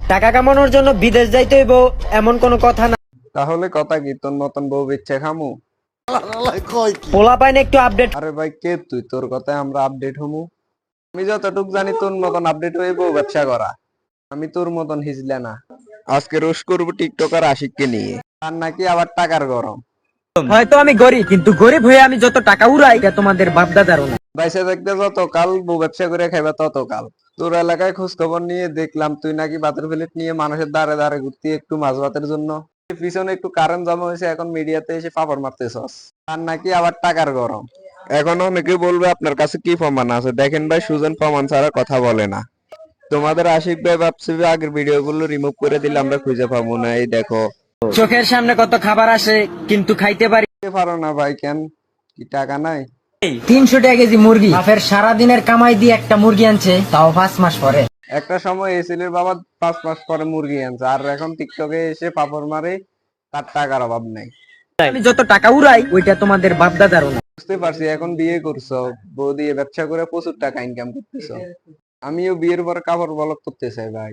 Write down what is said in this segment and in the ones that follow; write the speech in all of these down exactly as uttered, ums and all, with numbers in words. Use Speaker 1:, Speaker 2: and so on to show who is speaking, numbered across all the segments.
Speaker 1: টাকা কামানোর জন্য বিদেশ যাইতে হইব এমন কোনো কথা না।
Speaker 2: তাহলে কথা কি, তোর মতন বউ বেচ্ছে খামু?
Speaker 1: পোলা পাইন একটু আপডেট।
Speaker 2: আরে ভাই কে তুই, তোর কথায় আমরা আপডেট হমু? আমি যতটুক জানি তোর মতন আপডেট হয়ে বউ ব্যবসা করা। আমি তোর মতন হিজলে না। আজকে রোশ করবো টিকটকার আশিককে নিয়ে, আর নাকি আবার টাকার গরম।
Speaker 1: হয়তো আমি গরিব, কিন্তু গরিব হয়ে আমি যত টাকা উড়াই এটা তোমাদের বাপদাদারও না।
Speaker 2: বাইসে দেখতে যত কাল বউ ব্যবসা করে খাইবা তত কাল। তোর এলাকায় খোঁজ খবর নিয়ে দেখলাম তুই নাকি ভাতের প্লেট নিয়ে মানুষের দ্বারে দ্বারে ঘুরতি একটু মাছ ভাতের জন্য। পিছনে একটু কারেন্ট জমা হয়েছে, এখন মিডিয়াতে এসে পাপড় মারতেছস। আর নাকি আবার টাকার গরম। এখন অনেকে বলবে আপনার কাছে কি প্রমাণ আছে? দেখেন ভাই, সুজন প্রমাণ ছাড়া কথা বলে না। তোমাদের আশিক ভাই ভাবছে আগের ভিডিও গুলো রিমুভ করে দিলে আমরা খুঁজে পাবো না। এই দেখো,
Speaker 1: চোখের সামনে কত খাবার আসে কিন্তু খাইতে পারি
Speaker 2: পারো না ভাই। কেন, কি টাকা নাই?
Speaker 1: তিনশো টাকা কেজি মুরগি, বাপের সারাদিনের কামাই দিয়ে একটা মুরগি আনছে, তাও পাঁচ মাস পরে।
Speaker 2: একটা সময় এসিলের বাবা পাঁচ মাস পরে মুরগি আনছে, আর এখন টিকটকে এসে পাপড় মারে। তার টাকার অভাব নাই।
Speaker 1: আমি যত টাকা উড়াই ওইটা তোমাদের বাপদাদারও না।
Speaker 2: বুঝতে পারছি, এখন বিয়ে করছো, বউ দিয়ে ব্যবসা করে প্রচুর টাকা ইনকাম করতেছো। আমিও বিয়ের পর কাপড় বলক করতে চাই ভাই।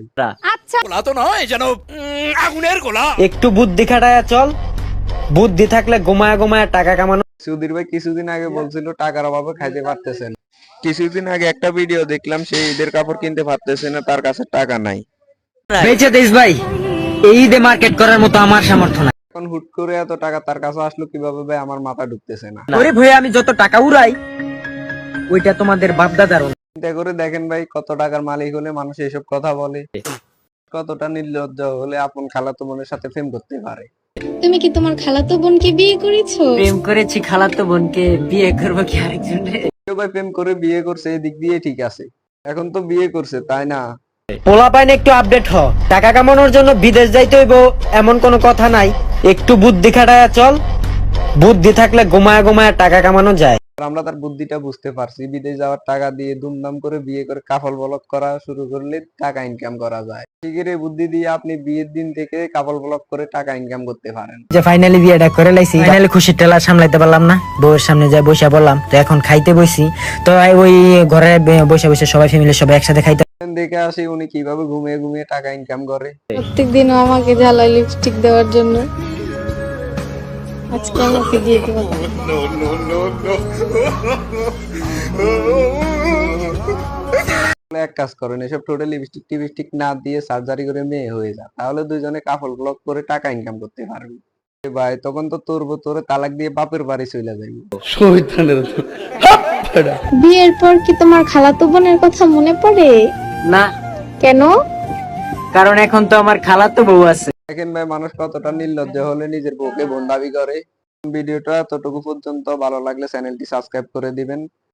Speaker 1: একটু বুদ্ধি খাটায়া চল, বুদ্ধি থাকলে গোমায়া গোমায়া টাকা কামানো।
Speaker 2: সুধীর ভাই কিছুদিন আগে বলছিল টাকার অভাবে খাইতে পারতেছেন। কিছুদিন আগে একটা ভিডিও দেখলাম, সে ঈদের কাপড় কিনতে পারতেছে না, তার কাছে টাকা নাই।
Speaker 1: বেঁচে দিস ভাই, এই ঈদে মার্কেট করার মতো আমার সামর্থ্য নাই।
Speaker 2: এখন হুট করে এত টাকা তার কাছে আসলো কিভাবে ভাই, আমার মাথা ঢুকতেছে না।
Speaker 1: গরিব হয়ে আমি যত টাকা উড়াই ওইটা তোমাদের বাপদাদারও না।
Speaker 2: চিন্তা করে দেখেন ভাই, কত টাকার মালিক হলে মানুষ এসব কথা বলে। কতটা নির্লজ্জ হলে আপন খালাতো বোনের সাথে প্রেম করতে পারে।
Speaker 3: তুমি কি তোমার খালাতো বোনকে বিয়ে করেছো?
Speaker 1: প্রেম করেছি খালাতো বোনকে, বিয়ে করবো কি আরেকজনের?
Speaker 2: কেউ ভাই প্রেম করে বিয়ে করছে, এদিক দিয়ে ঠিক আছে। এখন তো বিয়ে করছে, তাই না?
Speaker 1: পোলা পাইন একটু আপডেট হ। টাকা কামানোর জন্য বিদেশ যাইতে হইব এমন কোনো কথা নাই। একটু বুদ্ধি খাটায়া চল, বুদ্ধি থাকলে গোমায়া গোমায়া টাকা কামানো যায়।
Speaker 2: আর আমরা তার বুদ্ধিটা বুঝতে পারছি। বিদেশ যাওয়ার টাকা দিয়ে দুমদাম করে বিয়ে করে কাফল বলক করা শুরু করলে টাকা ইনকাম করা যায়। ঠিকই রে, বুদ্ধি দিয়ে আপনি বিয়ের দিন থেকে কাপল বলক করে টাকা ইনকাম করতে পারেন।
Speaker 1: যে ফাইনালি বিয়েটা করে লাইছি, ফাইনালি খুশির টেলা সামলাইতে পারলাম না, বউয়ের সামনে যাই বসে বললাম, তো এখন খাইতে বসি। তো ওই ঘরে বসে বসে সবাই ফ্যামিলি সবাই একসাথে খাইতে
Speaker 2: দেখে আসি উনি কিভাবে ঘুমিয়ে ঘুমিয়ে টাকা ইনকাম করে।
Speaker 3: প্রত্যেকদিনও আমাকে জ্বালায় লিপস্টিক দেওয়ার জন্য। আজকে আমাকে দিয়ে দেবো।
Speaker 2: এক কাজ করেন, এসব টোটাল লিপস্টিক টিপস্টিক না দিয়ে সার্জারি করে মেয়ে হয়ে যা, তাহলে দুইজনে কাপল ব্লক করে টাকা ইনকাম করতে পারবি। এ ভাই, তখন তো তোর তোরে তালাক দিয়ে বাপের বাড়ি চলে যাবি।
Speaker 3: বিয়ের পর কি তোমার খালাতো বোনের কথা মনে পড়ে?
Speaker 1: না,
Speaker 3: কেন?
Speaker 1: কারণ এখন তো আমার খালাতো বউ আছে।
Speaker 2: দেখেন ভাই, মানুষ কতটা নির্লজ্জ হলে নিজের বউকে বোন দাবি করে। ভিডিওটা এতটুকু পর্যন্ত, ভালো লাগলে চ্যানেলটি সাবস্ক্রাইব করে দিবেন।